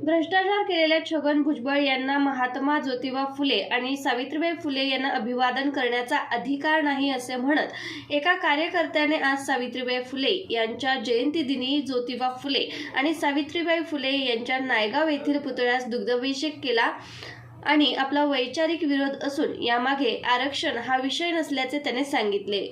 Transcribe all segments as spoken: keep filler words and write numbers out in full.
भ्रष्टाचार केलेल्या छगन भुजबळ यांना महात्मा ज्योतिबा फुले आणि सावित्रीबाई फुले यांना अभिवादन करण्याचा अधिकार नाही असे म्हणत एका कार्यकर्त्याने आज सावित्रीबाई फुले यांच्या जयंतीदिनी ज्योतिबा फुले आणि सावित्रीबाई फुले यांच्या नायगाव येथील पुतळ्यास दुग्धाभिषेक केला आणि आपला वैचारिक विरोध असून यामागे आरक्षण हा विषय नसल्याचे त्याने सांगितले.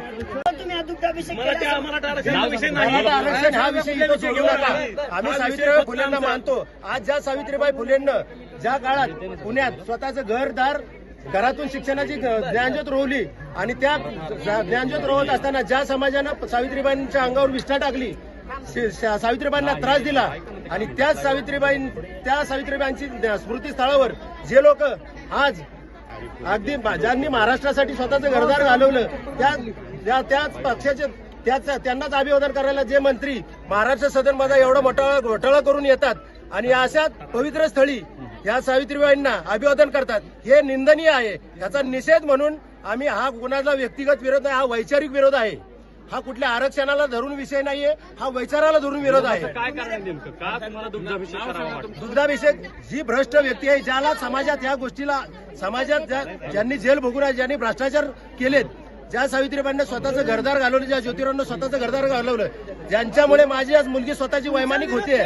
आम्ही सावित्रीबाई फुलेंना मानतो. आज ज्या सावित्रीबाई फुलेंना ज्या काळात पुण्यात स्वतःचं घरदार घरातून शिक्षणाची ज्ञानज्योत रोवली आणि त्या ज्ञानज्योत रोवत असताना ज्या समाजानं सावित्रीबाईंच्या अंगावर विष्ठा टाकली, सावित्रीबाईंना त्रास दिला आणि त्याच सावित्रीबाई त्या सावित्रीबाईंची स्मृतीस्थळावर जे लोक आज अगदी ज्यांनी महाराष्ट्रासाठी स्वतःचं घरदार घालवलं त्या त्याच पक्षाचे त्याच त्यांनाच अभिवादन करायला जे मंत्री महाराष्ट्र सदनमध्ये एवढा मोठा घोटाळा करून येतात आणि अशा पवित्र स्थळी या सावित्रीबाईंना अभिवादन करतात, हे निंदनीय आहे. याचा निषेध म्हणून आम्ही हा कोणाचा व्यक्तिगत विरोध नाही, हा वैचारिक विरोध आहे. हा कुठल्या आरक्षणाला धरून विषय नाहीये, हा वैचाराला धरून विरोध आहे. काय कारण नेमकं का तुम्हाला दुग्धाभिषेक करावा वाटतो? दुग्धाभिषेक जी भ्रष्ट व्यक्ती आहे, ज्याला समाजात या गोष्टीला समाजात ज्यांनी जेल भोगून आहे, ज्यांनी भ्रष्टाचार केलेत, ज्या सावित्रीबाईंना स्वतःचं घरदार घालवलं, ज्या ज्योतिरावांना स्वतःचं घरदार घालवलं, ज्यांच्यामुळे माझी आज मुलगी स्वतःची वैमानिक होते.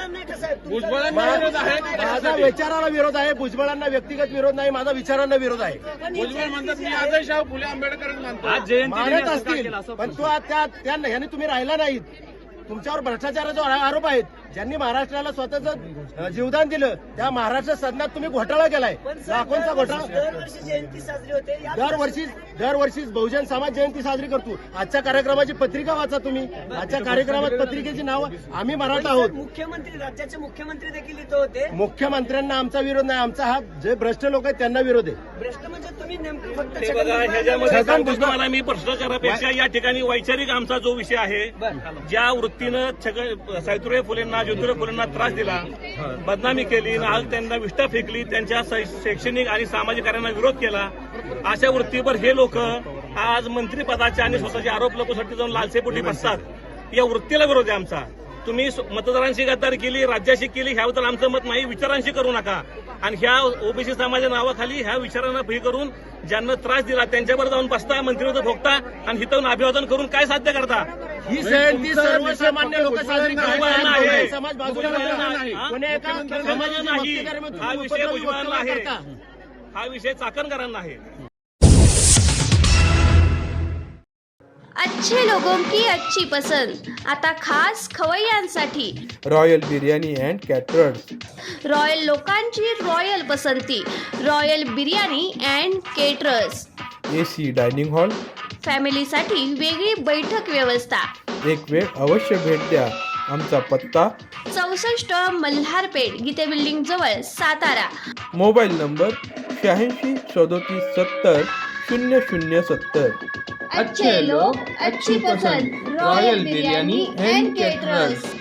माझा विचाराला विरोध आहे, भुजबळांना व्यक्तिगत विरोध नाही, माझा विचारांना विरोध आहे. भुजबळ म्हणतात मी आजही शाहू फुले आंबेडकर मानत असतील, पण तो त्या ह्याने तुम्ही राहिला नाहीत. तुमच्यावर भ्रष्टाचाराचा आरोप आहेत. ज्यांनी महाराष्ट्राला स्वतःचं जीवदान दिलं त्या महाराष्ट्र सदनात तुम्ही घोटाळा केलाय, लाखोंचा घोटाळा. दरवर्षी दरवर्षी बहुजन समाज जयंती साजरी करतो. आजच्या कार्यक्रमाची पत्रिका वाचा तुम्ही. आजच्या कार्यक्रमात पत्रिकेची नाव आम्ही मराठा आहोत. मुख्यमंत्री राज्याचे मुख्यमंत्री देखील इथं होते. मुख्यमंत्र्यांना आमचा विरोध नाही, आमचा हा जे भ्रष्ट लोक आहेत त्यांना विरोध आहे. भ्रष्ट म्हणजे तुम्ही नेमकं फक्त तुम्हाला मी भ्रष्टाचारापेक्षा या ठिकाणी वैचारिक आमचा जो विषय आहे, ज्या वृत्तीनं सावित्रीबाई फुलेंना ज्योतिराव फुलेंना त्रास दिला, बदनामी केली, आज त्यांना विष्ठा फेकली, त्यांच्या शैक्षणिक आणि सामाजिक कार्यांना विरोध केला, अशा वृत्तीवर हे लोक आज मंत्रिपदाचे आणि स्वतःचे आरोप लोकांसाठी जाऊन लालसेपोटी बसतात. या वृत्तीला विरोध आहे आमचा. तुम्ही मतदारांशी गद्दारी केली, राज्याशी केली, ह्याबद्दल आमचं मत नाही. विचारांशी करू नका. आणि ह्या ओबीसी समाजाच्या नावाखाली ह्या विचारांना फी करून ज्यांना त्रास दिला त्यांच्याबरोबर जाऊन बसता, मंत्रिपद भोगता आणि हिथं अभिवादन करून काय साध्य करता? ही जयंती सर्वसामान्य लोक साजरी करतात. समाज बाजूला नाही, हा विषय भुजबळांना आहे, हा विषय चाकणकरांना आहे. अच्छे लोगों की अच्छी पसंद आता खास खवय्यांसाठी royal biryani and caterers. Royal लोकांची रॉयल पसंती royal biryani and caterers. AC dining hall, फॅमिलीसाठी वेगळी बैठक व्यवस्था. एक वेळ अवश्य भेट द्या. आमचा पत्ता चौसष्ट मल्हारपेठ, गीते बिल्डिंग जवळ, सातारा. मोबाईल नंबर शहाऐंशी सदोतीस सत्तर शून्य शून्य सत्तर. अच्छे लोक अच्छी पसंद रॉयल बिर्याणी अँड केटरर्स.